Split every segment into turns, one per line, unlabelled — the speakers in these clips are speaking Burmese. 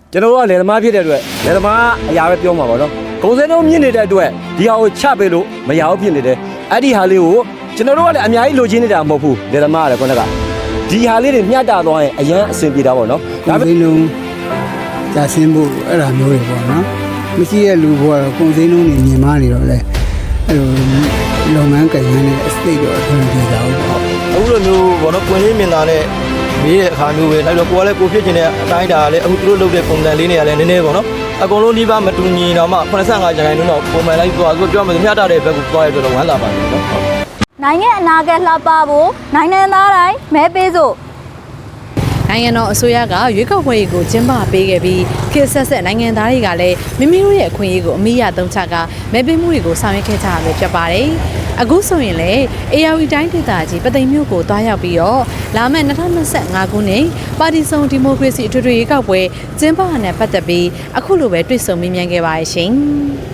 ကျွန်တော်ကလေသမားဖြစ်တဲ့အတွက်လေသမားအရာပဲပြောမှာပါနော်ကုန်စည်နှုန်းမြင့်နေတဲ့အတွက်ဒီဟာကိုချပေးလို့မရဘူးဖြစ်နေတယ်အဲ့ဒီဟာလေးကိုကျွန်တော်တို့ကလည်းအများကြီးလိုချင်နေတာမဟုတ်ဘူးလေသမားကလည်းခုနကဒီဟာလေးတွေမျှတသွားရင်အရန်အဆင်ပြေတာပေါ့နော်
ဒါပေမဲ့လုံးကြာဆင်းဖို့အဲ့ဒါမျိုးတွေပေါ့နော်မရှိတဲ့လူဘောကတော့ကုန်စည်နှုန်းတွေမြင်မာနေတော့လေအဲ့လိုလုပ်ငန်းကိန်းနဲ့အစိတ်တော့အထူးပြေကြအောင်ပေါ့
အခုလိုမျိုးဘောနော်ကွင်းလေးမြင်တာနဲ့မေးတဲ့အခါမျိုးပဲလိုက်တော့ကိုကလည်းကိုဖြစ်ချင်တဲ့အတိုင်းဒါလည်းအခုသူတို့လုပ်တဲ့ပုံစံလေးတွေကလည်းနည်းနည်းပေါ့နော်အကုန်လုံးနှီးပါမတူညီတော့မှ85ကျန်တိုင်းတော့ပုံမှန်လိုက်သွားသူပြောမှမျှတတဲ့ဘက်ကိုသွားရတော့ဝမ်းသာပါတယ်နော်
နိုင်ငံအနာဂတ်လှပဖို့နိုင်ငံသားတိုင်းမဲပေးစို့
နိုင်ငံတော်အစိုးရကရွေးကောက်ပွဲကိုကျင်းပပေးခဲ့ပြီးခေတ်ဆက်ဆက်နိုင်ငံသားတွေကလည်းမိမိတို့ရဲ့အခွင့်အရေးကိုအမိရသုံးချကမဲပေးမှုတွေကိုဆောင်ရွက်ခဲ့ကြရမှာဖြစ်ပါတယ်။အခုဆိုရင်လည်း ARD တိုင်းဒေသကြီးပသိမ်မြို့ကိုတွားရောက်ပြီးတော့လာမယ့်2025ခုနှစ်ပါတီစုံဒီမိုကရေစီအထွေထွေရွေးကောက်ပွဲကျင်းပရတဲ့ပတ်သက်ပြီးအခုလိုပဲတွေ့ဆုံမေးမြန်းခဲ့ပါရရှင်။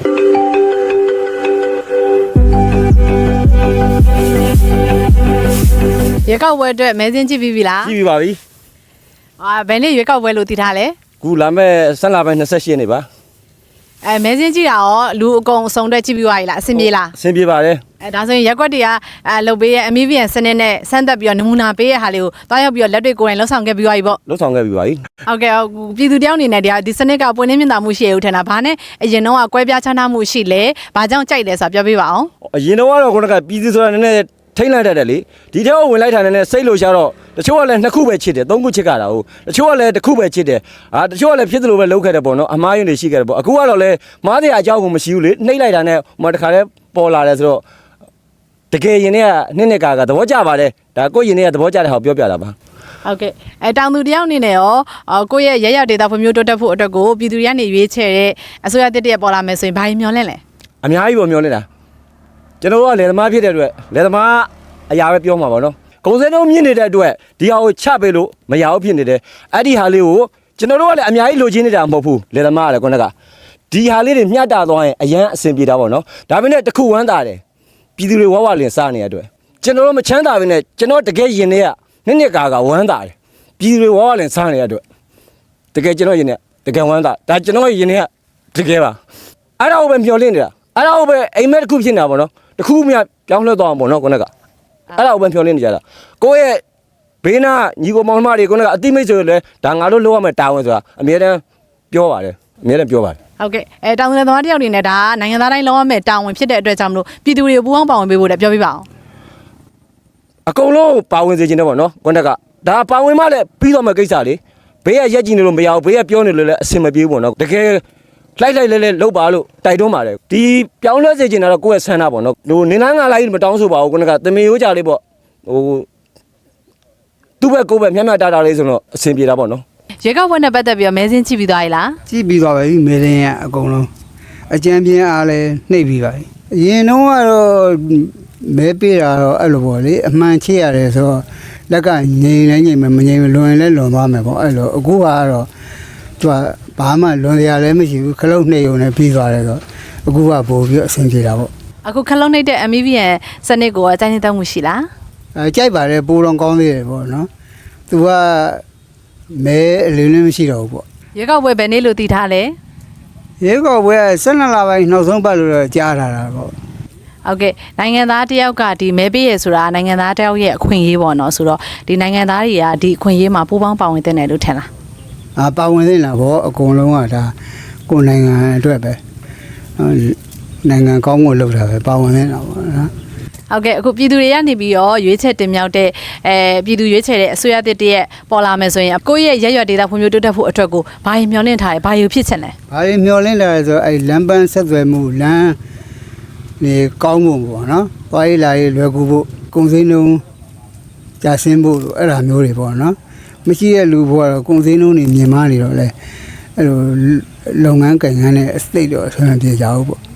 ရွေးကောက်ပွဲအတွက်မဲစင်းကြည့်ပြီးပြီလား
ကြည့်ပြီးပါပြီ
ဘယ်နေ့ရွေးကောက်ပွဲလို့သိထားလဲ
ခုလာမဲ့ဆက်လာပိုင်း28ရက်နေ့ပါ
မဲစင်းကြည့်တာရောလူအကုန်အစုံတက်ကြည့်ပြီးသွားပြီလားအဆင်ပြေလား
အဆင်ပြေပါတယ်
ဒါဆိုရင်ရက်ကွက်တွေကလှုပ်ပေးရဲ့အမီဗီယန်စနစ်နဲ့ဆန်းသက်ပြီးတော့နမူနာပေးရဟာလေးကိုတွားရောက်ပြီးတော့လက်တွေကိုယ်တိုင်လှုပ်ဆောင်ခဲ့ပြီးသွားပြီပေါ့
လှုပ်ဆောင်ခဲ့ပြီးပါပြီ
ဟုတ်ကဲ့ပြည်သူတယောက်အနေနဲ့ဒီစနစ်ကပွင့်လင်းမြင်သာမှုရှိရဦးထင်တာဘာနဲ့အရင်တော့ကွဲပြားခြားနားမှုရှိလဲဘာကြောင့်ကြိုက်လဲဆိုတာပြောပြပါအောင်
အရင်တော့ကတော့ခုနကပြည်သူဆိုတာနည်းနည်းထိမ့်လိုက်တတ်တယ်လေဒီထဲကိုဝင်လိုက်တာနဲ့စိတ်လို့ရှာတော့တချို့ကလည်း2ခုပဲချစ်တယ်3ခုချစ်ကြတာဟုတ်တချို့ကလည်း1ခုပဲချစ်တယ်တချို့ကလည်းဖြစ်သလိုပဲလုပ်ခဲ့တယ်ပေါ့နော်အမားယွန်းတွေရှိခဲ့တယ်ပေါ့အခုကတော့လည်းမားတဲ့အကြောင်းကိုမရှိဘူးလေနှိမ့်လိုက်တာနဲ့ဟိုတခါလဲပေါ်လာတယ်ဆိုတော့တကယ်ရင်တွေကနှစ်ကာသဘောကျပါတယ်ဒါကိုရင်တွေကသဘောကျတဲ့ဟာပြောပြတာပါ
ဟုတ်ကဲ့တောင်သူတယောက်အနေနဲ့ရောကိုယ့်ရဲ့ရရဒေတာဖွံ့ဖြိုးတိုးတက်ဖို့အတွက်ကိုပြည်သူတွေကနေရွေးချယ်တဲ့အစိုးရတစ်ရက်ပေါ်လာမယ်ဆိုရင်ဘာကြီးမျှော်လင့်လဲ
အများကြီးပေါ်မျှော်လင့်တာကျွန်တော်ကလေသမားဖြစ်တဲ့အတွက်လေသမားအရာပဲပြောမှာပါနော်ကုန်စည်နှုန်းမြင့်နေတဲ့အတွက်ဒီဟာကိုချပေးလို့မရဘူးဖြစ်နေတယ်အဲ့ဒီဟာလေးကိုကျွန်တော်တို့ကလည်းအများကြီးလိုချင်နေတာမဟုတ်ဘူးလေသမားကလည်းခုနကဒီဟာလေးတွေမျှတသွားရင်အရန်အဆင်ပြေတာပေါ့နော်ဒါပေမဲ့တခုဝမ်းသာတယ်ပြည်သူတွေဝဝလင်စားနေတဲ့အတွက်ကျွန်တော်တို့မချမ်းသာဘဲနဲ့ကျွန်တော်တကယ်ရင်တွေကနှစ်ကာဝမ်းသာတယ်ပြည်သူတွေဝဝလင်စားနေတဲ့အတွက်တကယ်ကျွန်တော်ရင်တွေကတကယ်ဝမ်းသာဒါကျွန်တော်ရင်တွေကတကယ်ပါအဲ့ဒါကိုပဲမျှော်လင့်နေတာအဲ့ဒါကိုပဲအိမ်မက်တစ်ခုဖြစ်နေတာပေါ့နော်တခုမှပြောင်းလဲသွားအောင်ပေါ့နော်ခုနကအဲ့ဒါကိုပဲဖြောင်းလင်းနေကြတာကိုယ့်ရဲ့ဘေးနာညီကိုမောင်နှမတွေကိုကအတိမိတ်ဆိုလဲဒါငါတို့လောက်ရမယ်တာဝန်ဆိုတာအမြဲတမ်းပြောပါတယ်အမြဲတမ်းပြောပါတယ်
ဟုတ်ကဲ့တောင်သူသမားတယောက်အနေနဲ့ဒါနိုင်ငံသားတိုင်းလောက်ရမယ်တာဝန်ဖြစ်တဲ့အတွက်ကြောင့်မလို့ပြည်သူတွေပူးပေါင်းပါဝင်ပေးဖို့လည်းပြောပြပါအောင်
အကုန်လုံးပါဝင်စေချင်တယ်ပေါ့နော်ခုနကဒါပါဝင်မှလည်းပြီးတော့မှကိစ္စလေဘေးကရက်ကြည့်နေလို့မရဘူးဘေးကပြောနေလို့လည်းအဆင်မပြေဘူးပေါ့နော်တကယ်လိုက်လဲလောက်ပါလို့တိုက်တွန်းပါတယ်ဒီပြောင်းလဲစေချင်တာတော့ကိုယ့်ရဲ့ဆန္ဒပေါ့နော်ဟိုနေသားငါလိုက်မတောင်းဆိုပါဘူးခုနကတမင်ရိုးကြလေးပေါ့ဟိုသူ့ဘက်ကိုယ့်ဘက်မျက်တာလေးဆိုတော့အဆင်ပြေတာပေါ့နော်
ရေကောက်ပွဲနဲ့ပတ်သက်ပြီးတော့မဲစင်းကြည့်ပြီးသွားပြီလား
ကြည့်ပြီးသွားပြီမဲစင်းရဲ့အကုန်လုံးအကြံပြင်းအားလည်းနှိပ်ပြီးပါပြီအရင်တော့ကတော့မဲပေးတာတော့အဲ့လိုပေါ့လေအမှန်ချစ်ရတယ်ဆိုတော့လက်ကငြိမ်လဲငြိမ်မယ်မငြိမ်လွန်ရင်လည်းလွန်သွားမယ်ပေါ့အဲ့လိုအခုကတော့သူကဘာမှလွန်စရာလည်းမရှိဘူးခလုတ်နှိပ်ုံနဲ့ပြီးသွားတယ်ဆိုအခုကပို့ပြီးအဆင်ပြေတာပေါ့
အခုခလုတ်နှိပ်တဲ့ MVN စနစ်ကိုအကြိုက်နေတဲ့မှုရှိလား
ကြိုက်ပါတယ်ပိုးလုံးကောင်းသေးတယ်ပေါ့နော်သူကမဲအလင်းလည်းမရှိတော့ဘူးပေါ့
ရေကောက်ပွဲဘယ်နေ့လို့သိထားလဲ
ရေကောက်ပွဲ12လပိုင်းနောက်ဆုံးပတ်လို့တော့ကြားထားတာပေါ့
ဟုတ်ကဲ့နိုင်ငံသားတယောက်ကဒီမဲပေးရဆိုတာနိုင်ငံသားတယောက်ရဲ့အခွင့်အရေးပေါ့နော်ဆိုတော့ဒီနိုင်ငံသားတွေကဒီအခွင့်အရေးမှာပူးပေါင်းပါဝင်တဲ့နယ်လို့ထင်လား
ပါဝင်သေးလားဗောအကုန်လုံးကဒါကိုယ်နိုင်ငံအတွက်ပဲနိုင်ငံကောင်းဖို့လုပ်တာပဲပါဝင်နေတာဗောနော်
ဟုတ်ကဲ့အခုပြည်သူတွေကနေပြီးတော့ရွေးချယ်တင်မြှောက်တဲ့ပြည်သူရွေးချယ်တဲ့အစိုးရတစ်တရက်ပေါ်လာမယ်ဆိုရင်ကိုယ့်ရဲ့ရရွက်ဒေတာဖွံ့ဖြိုးတိုးတက်ဖို့အတွက်ကိုဘာရင်မျှော်လင့်ထားတယ်ဘာရင်ဖြစ်ချင်လဲ
ဘာရင်မျှော်လင့်ထားလဲဆိုအဲ့လမ်းပန်းဆက်သွယ်မှုလမ်းနေကောင်းဖို့ပေါ့နော်သွားရေးလာရေးလွယ်ကူဖို့ကုန်စည်နှုန်းကြာဆင်းဖို့အဲ့ဒါမျိုးတွေပေါ့နော်မရှိတဲ့လူဘောကတော့ကုန်စည်နှုန်းတွေမြင်မာနေတော့လေအဲ့လိုလုပ်ငန်းကိန်းနဲ့အစိတ်တော့ဆွမ်းပြေကြအောင်ပေါ့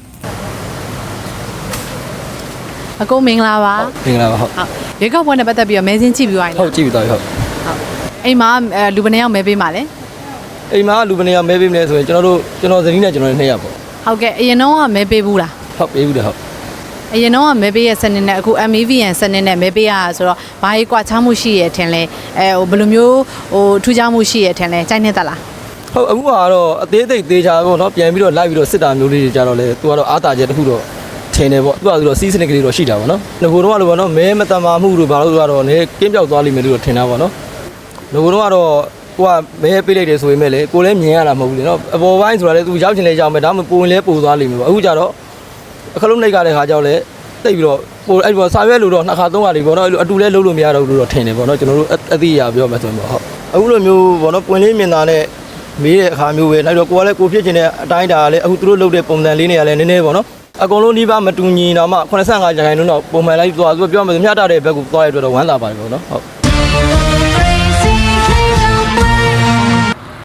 အကုန်မင်္ဂလာပါ
မင်္ဂလာပါဟုတ်
ရေကောက်ပွဲနဲ့ပတ်သက်ပြီးတော့မဲစင်းကြည့်ပြီးသွားပြီ
ဟုတ်ကြည့်ပြီးသွားပြီဟုတ်
အိမ်မှာလူဘယ်နှယောက်မဲပေးမှာလဲ
အိမ်မှာလူဘယ်နှယောက်မဲပေးမလဲဆိုရင်ကျွန်တော်ဇနီးနဲ့ကျွန်တော်2ယောက်ပေါ့
ဟုတ်ကဲ့အရင်တော့မဲပေးဘူးလား
ဟုတ်ပေးဘူးတယ်ဟုတ်
အရင်တော့မဲပေးရဲ့စနစ်နဲ့အခု MVN စနစ်နဲ့မဲပေးရဆိုတော့ဘာကြီးကွာခြားမှုရှိရထင်လဲဟိုဘယ်လိုမျိုးဟိုထူးခြားမှုရှိရထင်လဲကြိုက်နေသလား
ဟုတ်အခုကတော့အသေးသေးသေးချာပေါ့နော်ပြန်ပြီးတော့လိုက်ပြီးတော့စစ်တာမျိုးလေးတွေကြတော့လေသူကတော့အားတာချက်တစ်ခုတော့ထင်တယ်ပေါ့သူကဆိုတော့စီးစနစ်ကလေးတော့ရှိတာပေါ့နော်ငကိုတော့ကလို့ပေါ့နော်မဲမတမာမှုတို့ဘာလို့ဆိုတော့နေကင်းပြောက်သွားလိမ့်မယ်လို့ထင်တာပေါ့နော်ငကိုတော့ကတော့ကိုကမဲပေးလိုက်တယ်ဆိုရင်မဲ့လေကိုလည်းမြင်ရတာမဟုတ်ဘူးလေနော်အပေါ်ပိုင်းဆိုတာလေသူရောက်ချင်လေရောက်မယ်ဒါမှမဟုတ်ပိုရင်လဲပိုသွားလိမ့်မယ်ပေါ့အခုကြတော့အခလုံးနှိပ်ကြတဲ့ခါကြောက်လေတိတ်ပြီးတော့ပိုအဲ့ဒီစာရွက်လို့တော့နှစ်ခါသုံးခါလေးပေါ့နော်အဲ့လိုအတူလဲလုံးလို့မရတော့ဘူးလို့တော့ထင်တယ်ပေါ့နော်ကျွန်တော်တို့အသိအရာပြောမှဆိုရင်ပေါ့ဟုတ်အခုလိုမျိုးပေါ့နော်ပွင့်လေးမြင်တာနဲ့မေးတဲ့အခါမျိုးပဲလိုက်တော့ကိုကလည်းကိုဖြစ်ချင်တဲ့အတိုင်းဒါလည်းအခုသူတို့လုပ်တဲ့ပုံစံလေးတွေကလည်းနည်းနည်းပေါ့နော်အကုန်လုံးနှိပါမတူညီတော့မှ85%တော့ပုံမှန်လိုက်သွားသူပြောမှမျှတတဲ့ဘက်ကိုသွားရတဲ့အတွက်တော့ဝမ်းသာပါတယ်ပေါ့နော်ဟုတ်